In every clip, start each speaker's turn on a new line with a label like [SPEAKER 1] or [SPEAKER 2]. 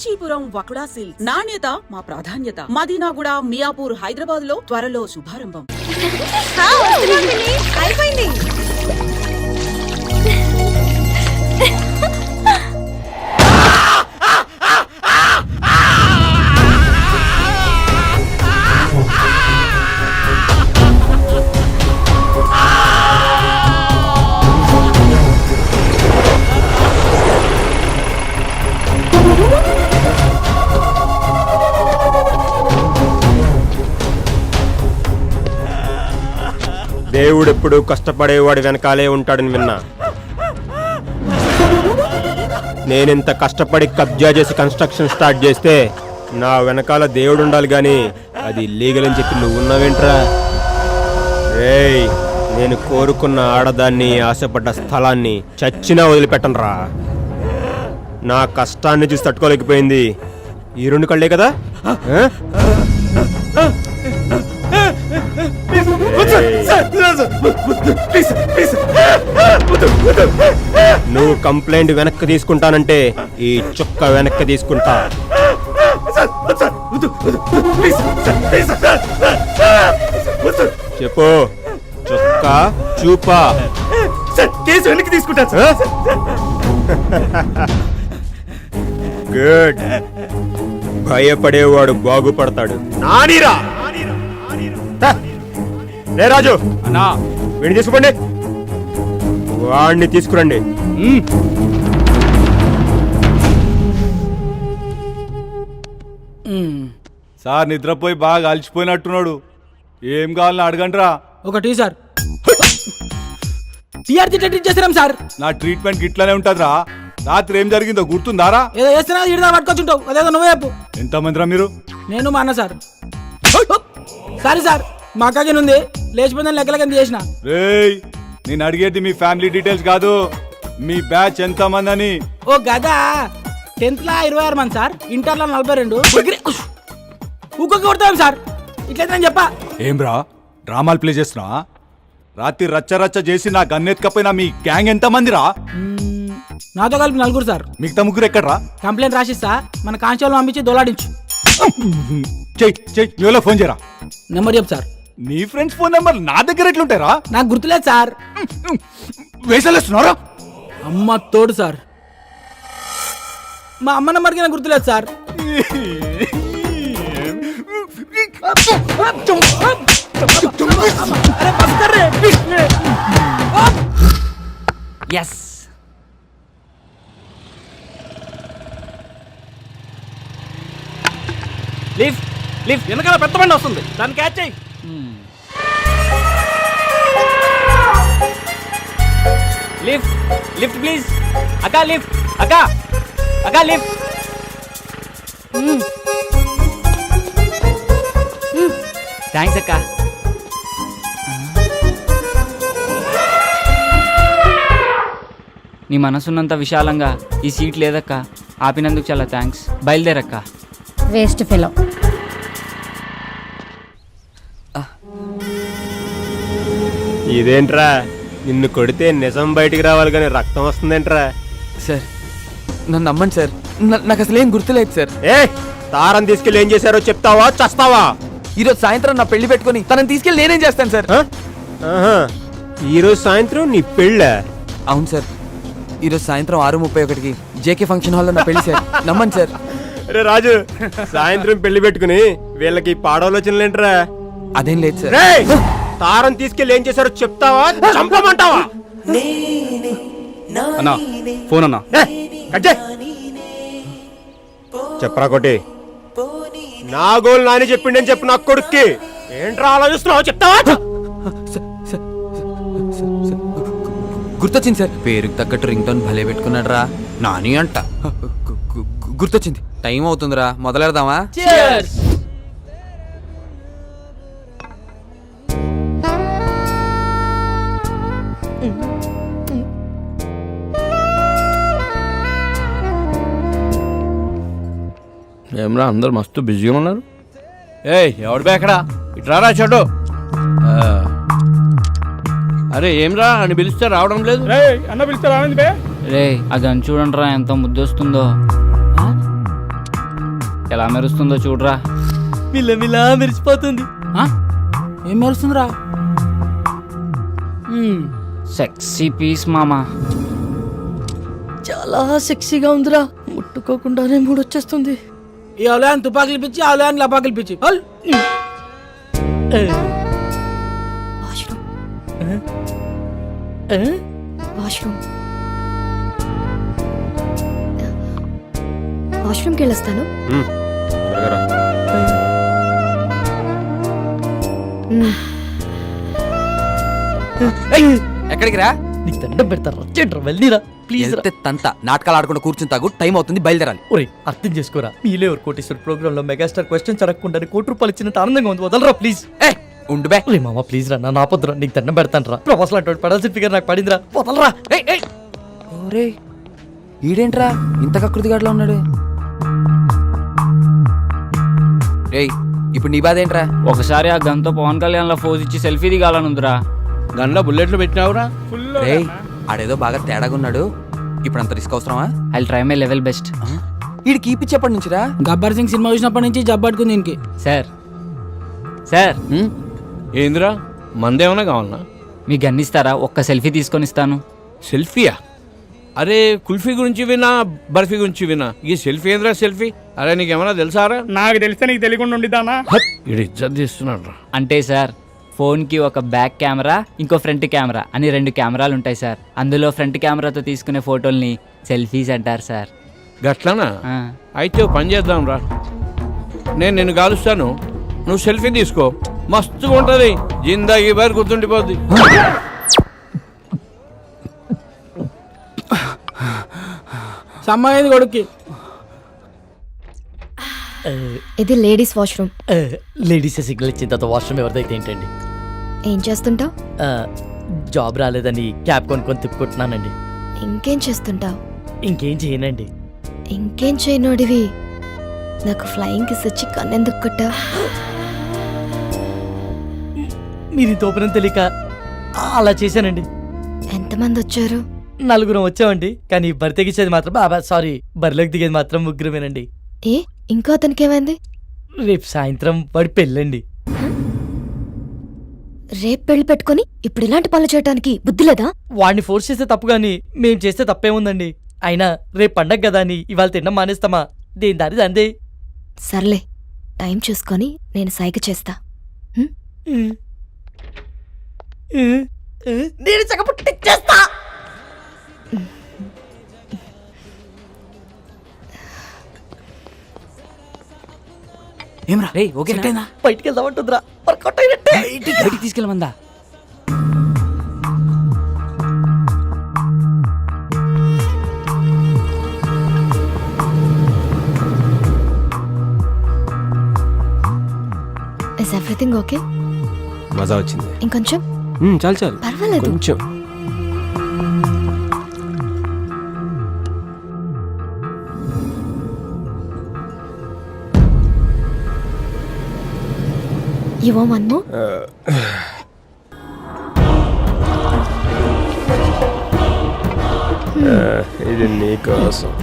[SPEAKER 1] Kanchipuram వకుడా silks నాణ్యత మా ప్రాధాన్యత. మదీనాగూడ, మియాపూర్, హైదరాబాద్ లో త్వరలో శుభారంభం.
[SPEAKER 2] అయిపోయింది.
[SPEAKER 3] దేవుడెప్పుడు కష్టపడేవాడు వెనకాలే ఉంటాడని విన్నా. నేనింత కష్టపడి కబ్జా చేసి కన్స్ట్రక్షన్ స్టార్ట్ చేస్తే నా వెనకాల దేవుడు ఉండాలి గాని అది లీగల్ అని చెప్పి నువ్వు ఉన్నావేంట్రా? రేయ్, నేను కోరుకున్న ఆడదాన్ని, ఆశపడ్డ స్థలాన్ని చచ్చినా వదిలిపెట్టనురా. నా కష్టాన్ని చూసి తట్టుకోలేకపోయింది ఈ రెండు కళ్ళే కదా. నువ్వు కంప్లైంట్ వెనక్కి తీసుకుంటానంటే ఈ చుక్క వెనక్కి తీసుకుంటా. చెప్పు, చుక్క చూపా.
[SPEAKER 4] కేసు వెనక్కి తీసుకుంటా.
[SPEAKER 3] గుడ్. భయపడేవాడు బాగుపడతాడు. నానీరా రే రాజు
[SPEAKER 4] అన్నా,
[SPEAKER 3] వీడిని తీసుకోండి, వాడిని తీసుకురండి.
[SPEAKER 4] సార్ నిద్రపోయి బాగా అలసిపోయినట్టున్నాడు. ఏం కావాలని అడగండిరా.
[SPEAKER 5] ఒకటి సార్ టీఆర్జీ ట్రీట్ చేస్తున్నాం సార్.
[SPEAKER 4] నా ట్రీట్మెంట్ ఇట్లానే ఉంటదిరా. రాత్రి ఏం జరిగిందో గుర్తుందారా?
[SPEAKER 5] ఏదో చేస్తున్నా ఇడిదా పట్టుకొచ్చుంటావు, అదేదో నువ్వే చెప్పు.
[SPEAKER 4] ఎంతమందిరా మీరు?
[SPEAKER 5] నేను మా అన్న సార్. సారీ సార్, మా అక్కకి ఉంది లేచిపోయిందని లెక్కలకి చేసిన.
[SPEAKER 4] రేయ్, నేను అడిగేది మీ ఫ్యామిలీ డీటెయిల్స్ కాదు, మీ బ్యాచ్ ఎంత మంది అని.
[SPEAKER 5] ఓ గదా, 10th లా 26 మంది సార్, ఇంటర్లో 42. ఊకొక్క కొడతాం సార్. ఇట్లయితే నేను చెప్పా.
[SPEAKER 4] ఏం రా డ్రామాలు ప్లే చేస్తున్నా? రాత్రి రచ్చ రచ్చ చేసి నా గన్నెత్తుకపోయినా మీ గ్యాంగ్ ఎంత మందిరా?
[SPEAKER 5] నాతో కలిపి 4 సార్.
[SPEAKER 4] మిగతా ముగ్గురు ఎక్కడ్రా?
[SPEAKER 5] కంప్లైంట్ రాసిస్తా, మన కానిస్టేబుల్ పంపించి దొలాడించు.
[SPEAKER 4] చెయ్యి ఫోన్ చేయరా.
[SPEAKER 5] నెంబర్ చెప్పు సార్.
[SPEAKER 4] నీ ఫ్రెండ్స్ ఫోన్ నెంబర్ నా దగ్గర ఎట్లుంటారా?
[SPEAKER 5] నాకు గుర్తులేదు సార్.
[SPEAKER 4] వేసలేస్తున్నారా?
[SPEAKER 5] అమ్మ తోడు సార్. మా అమ్మ నెంబర్కి నాకు గుర్తులేదు సార్.
[SPEAKER 6] ఎస్, లిఫ్ట్ లిఫ్ట్ వెనకాల పెద్ద బండి వస్తుంది, దాన్ని క్యాచ్ చేయి. Lift lift please. అక్క లిఫ్ట్, అక్క అక్క లిఫ్ట్. థ్యాంక్స్ అక్క. నీ మనసున్నంత విశాలంగా ఈ సీట్ లేదక్క, ఆపినందుకు చాలా థ్యాంక్స్. బయలుదేరక్క.
[SPEAKER 2] Waste fellow.
[SPEAKER 3] ఇదేంట్రా, నిన్ను కొడితే నిజం బయటికి రావాలి కానీ రక్తం వస్తుందేంట్రా?
[SPEAKER 6] సార్ నన్ను నమ్మండి సార్, నాకు అసలు ఏం గుర్తులేదు సార్.
[SPEAKER 3] ఏ తారం తీసుకెళ్ళి ఏం చేశారో చెప్తావా చస్తావా?
[SPEAKER 6] ఈరోజు సాయంత్రం నా పెళ్లి పెట్టుకుని తనని తీసుకెళ్ళి నేనేం చేస్తాను సార్?
[SPEAKER 3] ఈరోజు సాయంత్రం నీ పెళ్ళ?
[SPEAKER 6] అవును సార్, ఈరోజు సాయంత్రం 6:31కి జేకే ఫంక్షన్ హాల్లో నా పెళ్లి సార్. నమ్మండి సార్.
[SPEAKER 3] రే రాజు, సాయంత్రం పెళ్లి పెట్టుకుని వీళ్ళకి పాడాలోచనలేంట్రా?
[SPEAKER 6] అదేం లేదు సార్.
[SPEAKER 3] తారం తీసుకెళ్ళి ఏం చేశారో చెప్తావా చంపమంటావా?
[SPEAKER 4] అన్నా ఫోన్ అన్నా.
[SPEAKER 3] చెప్పరా కొట్టి. నా గోల్ నాని చెప్పిండని చెప్పు నా కొడుక్కి. ఏంట్రా ఆలోచిస్తున్నావు, చెప్తావా?
[SPEAKER 6] గుర్తొచ్చింది సార్, పేరుకి తగ్గట్టు రింగ్ టోన్ భలే పెట్టుకున్నాడు రా, నాని అంట. గుర్తొచ్చింది, టైం అవుతుందిరా, మొదలెడదామా?
[SPEAKER 7] ఏమరా అందరు మస్తు బిజీగా ఉన్నారు.
[SPEAKER 4] ఎవడు బేకడా ఇట్రారా చెడు.
[SPEAKER 7] అరే ఏమ్రా అని పిలిస్తే రావడం లేదు.
[SPEAKER 5] అన్న పిలిస్తే రావండి బే.
[SPEAKER 8] రే అది అని చూడండి రా, ఎంత ముద్దొస్తుందో.
[SPEAKER 2] ఎలా మెరుస్తుందో చూడరా.
[SPEAKER 8] మిల్లమిలా మెరిసిపోతుంది.
[SPEAKER 5] ఆ? ఏం మెరుస్తుందిరా?
[SPEAKER 2] సెక్సీ పీస్ మామా.
[SPEAKER 8] చాలా సెక్సీగా ఉందిరా. ముట్టుకోకుండానే మూడొచ్చేస్తుంది.
[SPEAKER 5] ఈ అవలయాన్ని తుపాకులు పిచ్చి అవలయాన్ని లపాకులు పిచ్చి
[SPEAKER 9] వాష్రూమ్కి వెళ్ళొస్తాను.
[SPEAKER 3] త్వరగా రా.
[SPEAKER 6] ఎక్కడికి రా?
[SPEAKER 8] నీకు దండం పెడతారా? చెట్రా వెళ్ళిరా ప్లీజ్ రా.
[SPEAKER 6] వెళ్తే తంత నాటకాలు ఆడకుండా కూర్చుని తాగు, టైం అవుతుంది, బయలుదేరాలి.
[SPEAKER 8] ఒరే అర్థం చేసుకోరా. మీలే ఎవరు కోటేశ్వర ప్రోగ్రామ్ లో మెగాస్టార్ క్వశ్చన్స్ అడగకుండా ₹1,00,00,000 ఇచ్చినంత ఆనందంగా ఉంది. వదలరా ప్లీజ్.
[SPEAKER 6] ఉండు బే.
[SPEAKER 8] ఒరే మామ ప్లీజ్ రా, నా ఆపొద్దురా. నీకు దండం పెడతాను రా. ప్రొఫెసర్ అంటే పడాల్సిన ఫిగర్ నాకు పడిందిరా. వదలరా.
[SPEAKER 6] ఓరే ఈడేంట్రా ఇంత కకృతిగాడులో ఉన్నాడు? రేయ్ ఇప్పుడు నీ బాధ ఏంట్రా?
[SPEAKER 2] ఒకసారి ఆ గన్తో పవన్ కళ్యాణ్ లా ఫోజ్ ఇచ్చి సెల్ఫీ దిగాలనుందిరా.
[SPEAKER 7] గన్లో బుల్లెట్లు పెట్టినావురా?
[SPEAKER 6] రేయ్ ఆడేదో బాగా తేడాగా ఉన్నాడు. ఇప్పుడు అంత రిస్క్ అవసరమా?
[SPEAKER 2] I try my level best.
[SPEAKER 6] ఈడు కీపిచ్చేప్పటి నుంచిరా?
[SPEAKER 5] గబ్బర్ సింగ్ సినిమా చూసినప్పటి నుంచి జబ్బట్టుకుంది దీనికి.
[SPEAKER 2] సార్ సార్
[SPEAKER 7] ఏందిరా మందేమన్నా కావాలన్నా?
[SPEAKER 2] మీ గన్ ఇస్తారా? ఒక్క సెల్ఫీ తీసుకొని ఇస్తాను.
[SPEAKER 7] సెల్ఫీయా? అరే కుల్ఫీ గురించి వినా, బర్ఫీ గురించి వినా, ఈ సెల్ఫీ ఏంద్రా సెల్ఫీ? అరే నీకేమన్నా తెలుసారా?
[SPEAKER 5] నాకు తెలిస్తే నీకు తెలియకుండా ఉండిదానా?
[SPEAKER 7] ఇడు ఇజ్జత్ తీస్తున్నాడు రా.
[SPEAKER 2] అంటే సార్ ఫోన్కి ఒక బ్యాక్ కెమెరా, ఇంకో ఫ్రంట్ కెమెరా అని 2 కెమెరాలు ఉంటాయి సార్. అందులో ఫ్రంట్ కెమెరాతో తీసుకునే ఫోటోల్ని సెల్ఫీస్ అంటారు సార్.
[SPEAKER 7] గట్లనా? అయితే ఓ పని చేద్దాం రా. నేను నిన్ను కాలుస్తాను, నువ్వు సెల్ఫీ తీసుకో. మస్తుగా ఉంటుంది, జిందాగీ బారి గుర్తుండిపోద్ది.
[SPEAKER 5] సమ్మయ్యింది కొడుక్కి.
[SPEAKER 9] ఇది లేడీస్ వాష్రూమ్.
[SPEAKER 8] లేడీస్ సిగ్నల్ ఇచ్చిన తర్వాత వాష్రూమ్ ఎవరిదైతే ఏంటండి?
[SPEAKER 9] ఏం చేస్తుంటావు?
[SPEAKER 8] జాబ్ రాలేదని క్యాబ్ కొనుక్కొని తిప్పుకుంటున్నానండి.
[SPEAKER 9] ఇంకేం చేస్తుంటావు?
[SPEAKER 8] ఇంకేం చేయనండి.
[SPEAKER 9] ఇంకేం చేయనోడివి నాకు ఫ్లయింగ్ కిస్ ఇచ్చి కన్నెందుకు కొట్టా?
[SPEAKER 8] మీరు తోపనం తెలియక అలా చేశానండి.
[SPEAKER 9] ఎంతమంది వచ్చారు?
[SPEAKER 8] 4 వచ్చామండి. కానీ బరి తెగించేది మాత్రం సారీ బరిలోకి దిగేది మాత్రం 3
[SPEAKER 9] ఏ ఇంకో అతనికి ఏమైంది?
[SPEAKER 8] రేపు సాయంత్రం వాడి పెళ్ళండి.
[SPEAKER 9] రేపు పెళ్లి పెట్టుకొని ఇప్పుడు ఇలాంటి పనులు చేయడానికి బుద్ధి లేదా?
[SPEAKER 8] వాడిని ఫోర్స్ చేస్తే తప్పు గాని మేం చేస్తే తప్పేముందండి? అయినా రేపు పండగ కదా అని ఇవాళ తినడం మానేస్తామా? దేని దారి అందే.
[SPEAKER 9] సర్లే టైం చూసుకొని నేను సైగ చేస్తా.
[SPEAKER 8] నేను చక్కపుట్టిచ్చేస్తా.
[SPEAKER 2] ఏమరా రే ఓకేనా?
[SPEAKER 8] బయటికి వెళ్దామంటుందిరా. వర్కౌట్ అయినట్టే.
[SPEAKER 2] బయటికి తీసుకెళ్ళమందా?
[SPEAKER 9] Is everything okay?
[SPEAKER 3] మజా వచ్చింది.
[SPEAKER 9] ఇంకొంచెం?
[SPEAKER 3] చాలు చాలు,
[SPEAKER 9] పర్వాలేదు.
[SPEAKER 3] కొంచెం.
[SPEAKER 9] You want one more?
[SPEAKER 3] ఇది నీకోసం.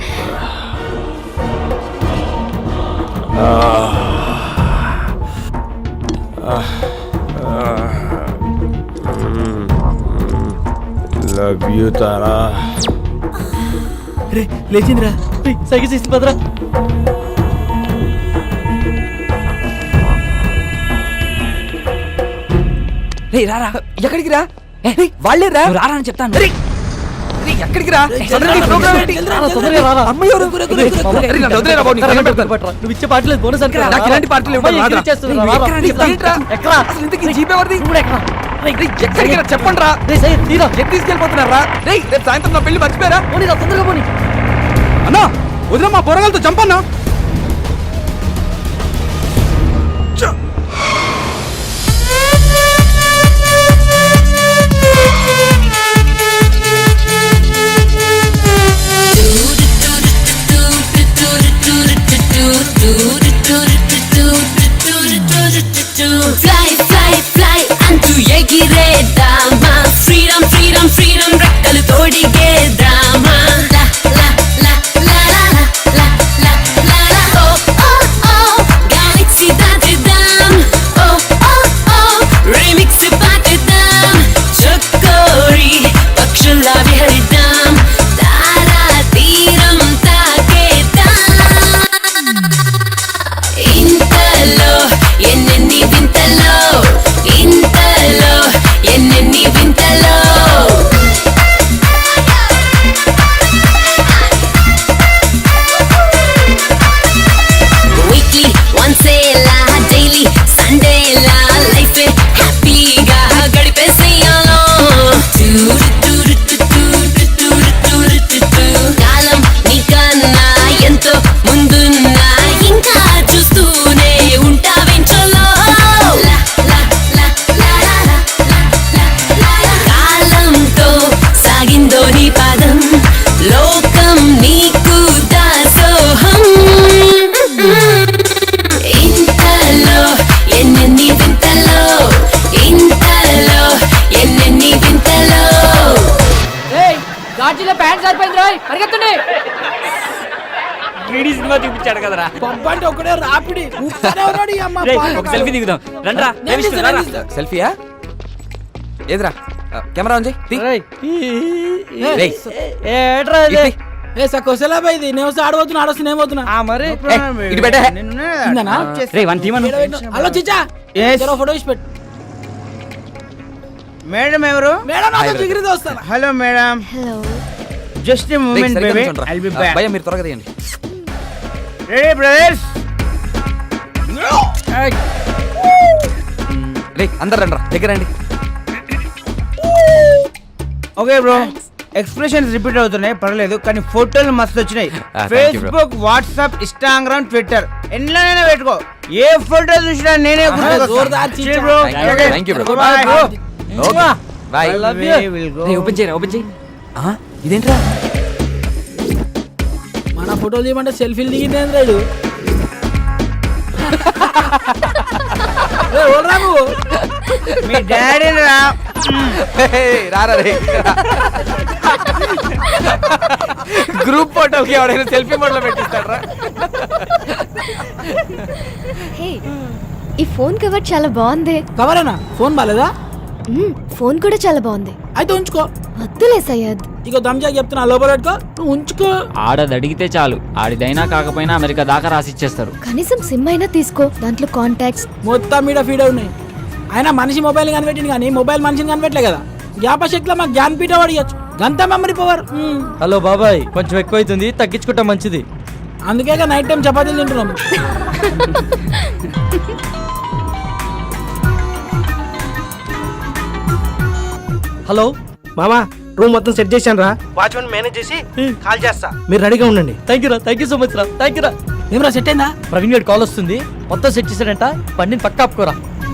[SPEAKER 3] Love you Tara.
[SPEAKER 8] రే లేచిందిరా. సైకిల్ చేసి పదరా.
[SPEAKER 6] రే రారా. ఎక్కడికి రా? వాళ్ళే రా.
[SPEAKER 2] రారా అని చెప్తాను.
[SPEAKER 6] ఎక్కడికి రా?
[SPEAKER 8] నువ్వు ఇచ్చే పాటలు బోనస్ అంటే
[SPEAKER 6] ఇలాంటి పార్టీలు చెప్పండి రా. తీసుకెళ్ళిపోతున్నారా? రేపు సాయంత్రం నా పెళ్లి మర్చిపోయారా?
[SPEAKER 8] తొందరగా పోనీ.
[SPEAKER 6] అన్నా వదిలే, మా పొరగాలతో చంపన్నా.
[SPEAKER 9] Fly, fly, fly అంటూ ఎగిరేద్దామా, ఫ్రీడమ్ ఫ్రీడమ్ ఫ్రీడమ్ రెక్కలు తోడిగేద్దామా. లా లా లా లా లా లా లా లా లా. ఓ ఓ
[SPEAKER 2] సినిమా చూపించాడు కదరా.
[SPEAKER 5] పబ్బు అంటే ఒకడే రాపిడి ఊపుతానే ఉన్నాడు ఈ అమ్మ
[SPEAKER 2] రేయ్,
[SPEAKER 5] పానకాలు.
[SPEAKER 2] ఒక సెల్ఫీ దిగుదాం రండ్రా. ఏ
[SPEAKER 5] నేను
[SPEAKER 2] విష్ణు,
[SPEAKER 5] తీస్తా,
[SPEAKER 2] రారా.
[SPEAKER 5] నేను తీస్తా.
[SPEAKER 6] సెల్ఫీయా ఏదిరా కెమెరా ఉంది
[SPEAKER 8] రేయ్.
[SPEAKER 6] రేయ్.
[SPEAKER 8] ఏట్రా ఇది?
[SPEAKER 5] ఏ సకోసలా బై ఇది నేను వస్తే ఆడబోతున్నా ఆడొస్తే నేను పోతున్నా
[SPEAKER 8] ఆ మరి
[SPEAKER 6] ఇటు పెట్టే
[SPEAKER 5] ఇందనా?
[SPEAKER 2] రేయ్, వన్ తీమను.
[SPEAKER 5] హలో చిచ్చా జరా ఫోటో ఇచ్చి పెట్టు.
[SPEAKER 10] మేడం ఎవరు?
[SPEAKER 5] మేడం నాతో జిగిరితో వస్తాను.
[SPEAKER 10] Hello madam,
[SPEAKER 9] hello
[SPEAKER 10] just a moment baby, I'll be back.
[SPEAKER 6] భయ మీరు త్వరగా తీయండి.
[SPEAKER 10] Ready brothers?
[SPEAKER 6] రే అందరు రండి దగ్గర రండి.
[SPEAKER 10] ఓకే బ్రో, ఎక్స్ప్రెషన్స్ రిపీట్ అవుతున్నాయి పర్లేదు, కానీ ఫోటోలు మస్తు వచ్చినాయి.
[SPEAKER 6] thank you, bro.
[SPEAKER 10] Facebook, WhatsApp, Instagram, Twitter ఎన్నైనా పెట్టుకో, ఏ ఫోటో చూసినా నేనే
[SPEAKER 5] జోర్దార్ చిచ్చా.
[SPEAKER 10] Bro.
[SPEAKER 6] Thank you, bro.
[SPEAKER 10] Bye, bro.
[SPEAKER 6] Okay bye.
[SPEAKER 10] We will go.
[SPEAKER 6] Open చేయరా ఓపెన్ చేయి. ఇదేంట్రా
[SPEAKER 5] మన ఫోటోలు తీయమంటే సెల్ఫీలు దిగింది రాడు. ఓడరా నువ్వు.
[SPEAKER 10] మీ డాడీ రా.
[SPEAKER 6] రారా రే గ్రూప్ ఫోటోకి ఎవడైనా సెల్ఫీ మోడ్లో పెట్టిస్తాడరా.
[SPEAKER 9] హే ఈ ఫోన్ కవర్ చాలా బాగుంది.
[SPEAKER 5] కవరేనా? ఫోన్ బాలేదా?
[SPEAKER 9] ఫోన్ కూడా చాలా బాగుంది.
[SPEAKER 5] అయితే ఉంచుకో.
[SPEAKER 9] వద్దులే సయ్యద్.
[SPEAKER 5] ఇక దమ్జా చెప్తున్నా లోపల పెట్టుకో, నువ్వు ఉంచుకో.
[SPEAKER 2] ఆడది అడిగితే చాలు, ఆడిదైనా కాకపోయినా అమెరికా దాకా రాసిచ్చేస్తారు.
[SPEAKER 9] కనీసం సిమ్ అయినా తీసుకో, దాంట్లో కాంటాక్ట్స్.
[SPEAKER 5] మొత్తం మీద ఫీడ్ ఉన్నాయి. అయినా మనిషి మొబైల్ కనిపెట్టింది కానీ మొబైల్ మనిషిని కనిపెట్టలే కదా. జ్ఞాపశక్తిలో మాకు జ్ఞానపీఠ అడిగచ్చు, గంత మెమరీ పవర్.
[SPEAKER 8] హలో బాబాయ్, కొంచెం ఎక్కువ అవుతుంది, తగ్గించుకుంటా మంచిది.
[SPEAKER 5] అందుకే నైట్ టైం చపాతీలు తింటున్నాం.
[SPEAKER 8] హలో
[SPEAKER 10] మామా, రూమ్ మొత్తం సెట్ చేశాను రా, వాచ్మెన్ మేనేజ్ చేసి కాల్ చేస్తా, మీరు రెడీగా ఉండండి.
[SPEAKER 8] థ్యాంక్ యూ రా, థ్యాంక్ యూ సో మచ్ రా, థ్యాంక్ యూ రా.
[SPEAKER 5] ఏమరా సెట్ అయిందా?
[SPEAKER 8] ప్రవీణ్ గారి కాల్ వస్తుంది, మొత్తం సెట్ చేశాడంట, బండిని పక్క ఆపుకోరా.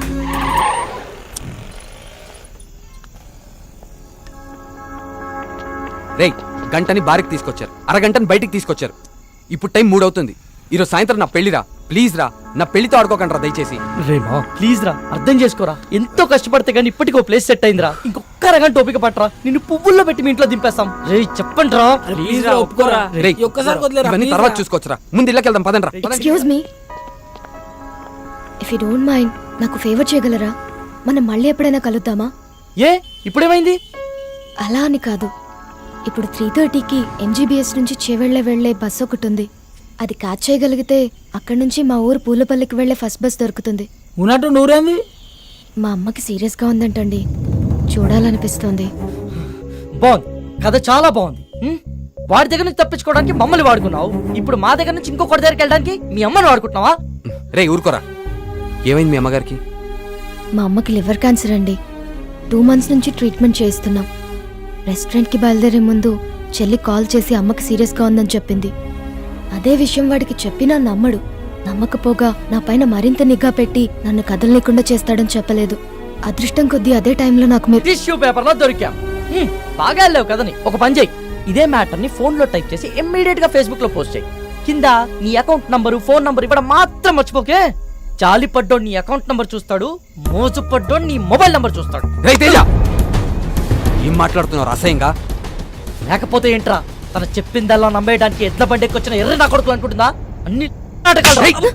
[SPEAKER 6] రే గంటని బారికి తీసుకొచ్చారు, అరగంటని బయటికి తీసుకొచ్చారు. ఇప్పుడు టైం 3 అవుతుంది. ఈరోజు సాయంత్రం నా పెళ్లిరా, ప్లీజ్ రా, నా పెళ్లితో ఆడుకోకండి రా దయచేసి.
[SPEAKER 8] రేమా ప్లీజ్ రా, అర్థం చేసుకోరా. ఎంతో కష్టపడితే గానీ ఇప్పటికో ప్లేస్ సెట్ అయిందిరా. ఇంకొక అరగంట ఓపిక పట్టరా, నిన్ను పువ్వుల్లో పెట్టి మీ ఇంట్లో దింపేస్తాం. రే చెప్పండి రా.
[SPEAKER 5] ప్లీజ్ రా, ఒప్పుకోరా.
[SPEAKER 6] రేయ్,
[SPEAKER 5] ఈ ఒక్కసారి వదిలేరా,
[SPEAKER 6] ఇవన్నీ
[SPEAKER 5] please
[SPEAKER 6] తర్వాత
[SPEAKER 5] రా.
[SPEAKER 6] చూసుకోవచ్చురా, ముందు ఇళ్ళకి వెళ్దాం పదండి రా.
[SPEAKER 9] Excuse me, if you don't mind నాకు ఫేవర్ చేయగలరా? మనం మళ్ళీ ఎప్పుడైనా కలుద్దామా?
[SPEAKER 8] ఏ ఇప్పుడేమైంది?
[SPEAKER 9] అలా అని కాదు, ఇప్పుడు 3:30కి MGBS నుంచి చేవెళ్ళే వెళ్లే బస్ ఒకటి ఉంది. అది క్యాచ్ చేయగలిగితే అక్కడి నుంచి మా ఊరు పూలపల్లికి వెళ్లే ఫస్ట్ బస్ దొరుకుతుంది.
[SPEAKER 5] ఉన్నట్టు నూరేంది?
[SPEAKER 9] మా అమ్మకి సీరియస్గా ఉందంటండి, చూడాలనిపిస్తోంది.
[SPEAKER 8] బాగుంది, కథ చాలా బాగుంది. వాడి దగ్గర నుంచి తప్పించుకోవడానికి మమ్మల్ని వాడుకున్నావు, ఇప్పుడు మా దగ్గర నుంచి ఇంకొకటి దగ్గరికి వెళ్ళడానికి మీ అమ్మని వాడుకుంటున్నావా?
[SPEAKER 6] రే ఊరుకోరా, ఏమైంది మీ అమ్మగారికి?
[SPEAKER 9] మా అమ్మకి లివర్ క్యాన్సర్ అండి. 2 months నుంచి ట్రీట్మెంట్ చేయిస్తున్నాం. రెస్టారెంట్కి బయలుదేరే ముందు చెల్లి కాల్ చేసి అమ్మకి సీరియస్గా ఉందని చెప్పింది. అదే విషయం వాడికి చెప్పినా నమ్మడు. నమ్మకపోగా నా పైన మరింత నిఘా పెట్టి నన్ను కదలలేకుండా చేస్తాడని చెప్పలేదు. అదృష్టం కొద్దీ అదే టైంలో నాకు మీరు
[SPEAKER 8] టిష్యూ పేపర్ లో దొరికాం. బాగా వెళ్ళావు కదని. ఒక పని చేయి, ఇదే మ్యాటర్ ని ఫోన్ లో టైప్ చేసి ఇమ్మీడియట్ గా ఫేస్బుక్ లో పోస్ట్ చేయి. కింద నీ అకౌంట్ నంబరు, ఫోన్ నంబర్ ఇవ్వడం మాత్రం మర్చిపోకే. జాలి పడ్డోడు నీ అకౌంట్ నంబర్ చూస్తాడు, మోజు పడ్డోడు నీ మొబైల్ నంబర్ చూస్తాడు.
[SPEAKER 6] రేయ్ తేజ, ఏం మాట్లాడుతున్నావు అసహ్యంగా?
[SPEAKER 8] లేకపోతే ఏంట్రా, తన చెప్పిందల్లా నమ్మేయడానికి ఎడ్ల బండి ఎక్కొచ్చిన ఎర్ర నా కొడుకులు అనుకుంటుందా? అన్ని నాటకాలు.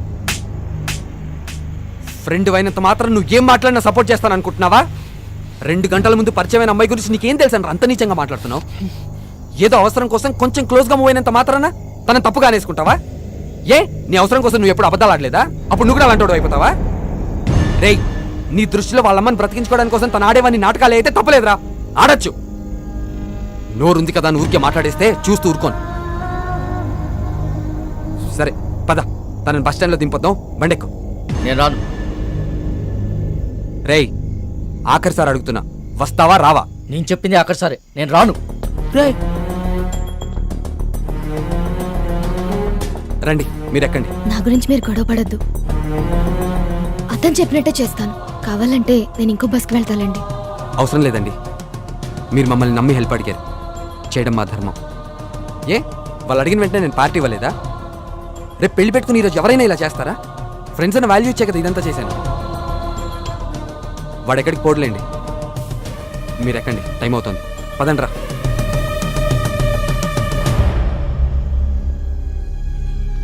[SPEAKER 6] ఫ్రెండ్ అయినంత మాత్రం నువ్వు ఏం మాట్లాడినా సపోర్ట్ చేస్తాను అనుకుంటున్నావా? 2 గంటల ముందు పరిచయమైన అమ్మాయి గురించి నీకేం తెలుసని అంత నీచంగా మాట్లాడుతున్నావు? ఏదో అవసరం కోసం కొంచెం క్లోజ్ గా మూవ్ అయినంత మాత్రాన తనని తప్పుగా అనేసుకుంటావా? ఏ నీ అవసరం కోసం నువ్వు ఎప్పుడు అబద్ధాలు ఆడలేదా? అప్పుడు నువ్వు కూడా అలాంటి అయిపోతావా? రేయ్, నీ దృష్టిలో వాళ్ళమ్మని బ్రతికించుకోవడానికి కోసం తను ఆడేవాన్ని నాటకాలు అయితే తప్పలేదురా, ఆడొచ్చు. నోరుంది కదా అని ఊరికే మాట్లాడేస్తే చూస్తూ ఊరుకోను. సరే పద, తనని బస్ స్టాండ్ లో దింపొద్దాం, బండెక్కు.
[SPEAKER 8] నేను రాను.
[SPEAKER 6] రేయ్ ఆఖరిసారి అడుగుతున్నా, వస్తావా రావా?
[SPEAKER 8] నేను చెప్పింది అక్కడ సరే, నేను రాను.
[SPEAKER 6] రండి మీరు ఎక్కండి.
[SPEAKER 9] నా గురించి మీరు గొడవ పడద్దు. అతను చెప్పినట్టే చేస్తాను. కావాలంటే నేను ఇంకో బస్కి వెళ్తానండి.
[SPEAKER 6] అవసరం లేదండి, మీరు మమ్మల్ని నమ్మి హెల్ప్ అడిగారు, చేయడం మా ధర్మం. ఏ వాళ్ళు అడిగిన వెంటనే నేను పార్టీ ఇవ్వలేదా? రేపు పెళ్లి పెట్టుకుని ఈరోజు ఎవరైనా ఇలా చేస్తారా? ఫ్రెండ్స్ అని వాల్యూ ఇచ్చే కదా ఇదంతా చేశాను. వాడు ఎక్కడికి పోడలేండి, మీరు ఎక్కండి, టైం అవుతుంది, పదండ్రా.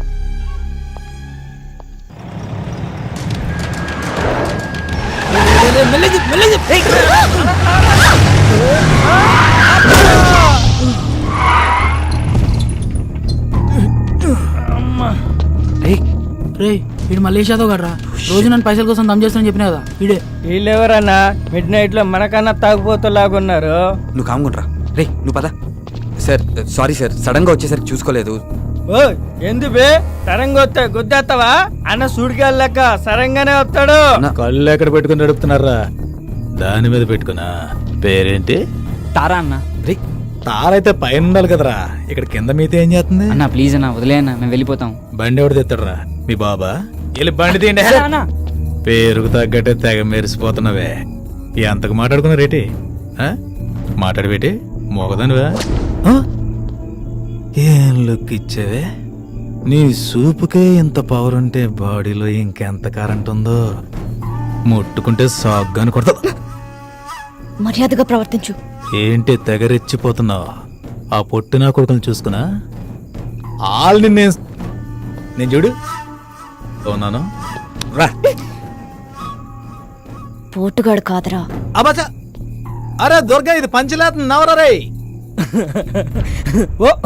[SPEAKER 5] రే వీడు మలేష్ యాదవ్ గారు రా. రోజు నన్ను పైసల కోసం దమ్ చేస్తానని చెప్పినా కదా వీడే.
[SPEAKER 10] వీళ్ళెవరన్నా మిడ్ నైట్ లో మనకన్నా తాగుపోతలాగున్నారు.
[SPEAKER 6] నువ్వు కామ్గుండ్రా. రే నువ్వు పద. సార్ సారీ సార్, సడన్ గా వచ్చేసరికి చూసుకోలేదు.
[SPEAKER 10] ఓ ఎందు బే సరంగా వస్తే గుద్దేస్తావా? అన్న సుడికెళ్ళక సరంగానే వస్తాడు.
[SPEAKER 4] కళ్ళు ఎక్కడ పెట్టుకుని నడుపుతున్నారా? దాని మీద పెట్టుకున్నా. పేరేంటి?
[SPEAKER 2] తారా అన్న.
[SPEAKER 6] రే
[SPEAKER 4] తారైతే పైన ఉండాలి కదరా, ఇక్కడ కింద మీతో ఏం చేస్తుంది?
[SPEAKER 2] అన్న ప్లీజ్ అన్న వదిలే అన్న, మేము వెళ్ళిపోతాం.
[SPEAKER 4] బండి ఎవడు తెస్తాడురా? మీ బాబా? వెళ్ళి బండి తీయండి. పేరుకు తగ్గట్టే తెగ మెరిసిపోతున్నావే. ఎంతకు మాట్లాడుకున్నారేటి? మాట్లాడబెట్టి మోగదానివా? ఏం లుక్ ఇచ్చావే? నీ సూపుకే ఇంత పవర్ ఉంటే బాడీలో ఇంకెంత కరెంట్ ఉందో. ముట్టుకుంటే సాగ్గాని కొడతా.
[SPEAKER 9] మర్యాదగా ప్రవర్తించు.
[SPEAKER 4] ఏంటి తెగరెచ్చిపోతున్నావు? ఆ పొట్టు నా కొడుకుని చూసుకున్నా ఆల్ని నేను చూడు ఉన్నాను రా.
[SPEAKER 9] పోటుగాడు కాదురా.
[SPEAKER 4] అబ్బా అరే దుర్గా, ఇది పంచలేత నవరా రే.
[SPEAKER 10] ఓ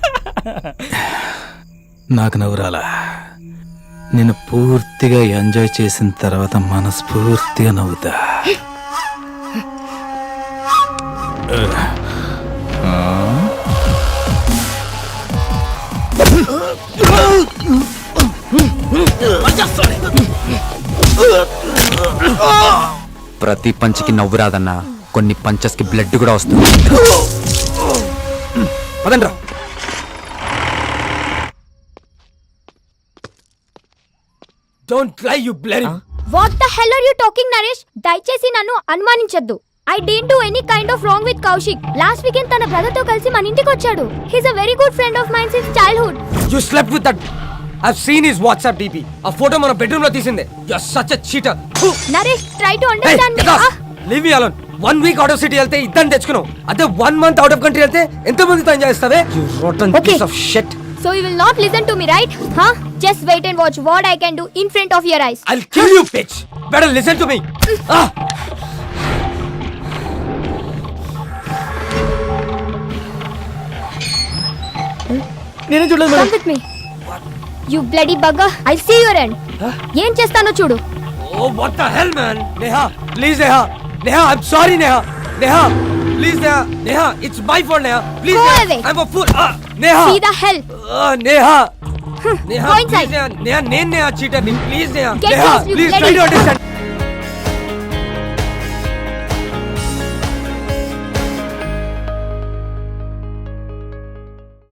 [SPEAKER 4] నాకు నవ్వురాలా? నేను పూర్తిగా ఎంజాయ్ చేసిన తర్వాత మనస్ఫూర్తిగా నవ్వుతా.
[SPEAKER 6] ప్రతి పంచికి నవ్వు రాదన్నా, కొన్ని పంచెస్ కి బ్లడ్ కూడా వస్తుంది. పదండ్రా.
[SPEAKER 5] Don't lie you bloody.
[SPEAKER 11] What the hell are you talking Naresh? దయచేసి నన్ను అనుమానించొద్దు. I didn't do any kind of wrong with Kaushik. Last weekend తన బ్రదర్ తో కలిసి మన ఇంటికి వచ్చాడు. He's a very good friend of mine since childhood.
[SPEAKER 6] You slept with that. I've seen his WhatsApp DP. ఆ ఫోటో మన bedroom లో తీసిందే. You're such a cheater.
[SPEAKER 11] Naresh, try to understand me.
[SPEAKER 6] Leave me alone. 1 week out of city వెళ్తే ఇద్దరిని తెచ్చుకున్నావు. అదే 1 month out of country వెళ్తే ఎంత మందితో ఎంజాయ్ చేస్తావే? You rotten piece of shit.
[SPEAKER 11] So you will not listen to me, right? Huh? Just wait and watch what I can do in front of your eyes.
[SPEAKER 6] I'll kill you, bitch. Better listen to me.
[SPEAKER 5] నేనే చూడలేదు
[SPEAKER 11] Come with me. You bloody bugger. I'll see your end. ఏం చేస్తానో చూడు.
[SPEAKER 6] Oh, what the hell, man? Neha, please, Neha. Neha, I'm sorry, Neha. Neha, please, Neha. Neha, it's my fault, Neha. Please,
[SPEAKER 11] Go
[SPEAKER 6] Neha.
[SPEAKER 11] away.
[SPEAKER 6] I'm a fool. Neha.
[SPEAKER 11] See the hell.
[SPEAKER 6] Neha. Neha,
[SPEAKER 11] Go inside.
[SPEAKER 6] please, Neha. Neha, Neha, cheater. Please, Neha.
[SPEAKER 11] Get
[SPEAKER 6] Neha,
[SPEAKER 11] lost, you
[SPEAKER 6] please, try
[SPEAKER 11] bloody-
[SPEAKER 6] to understand.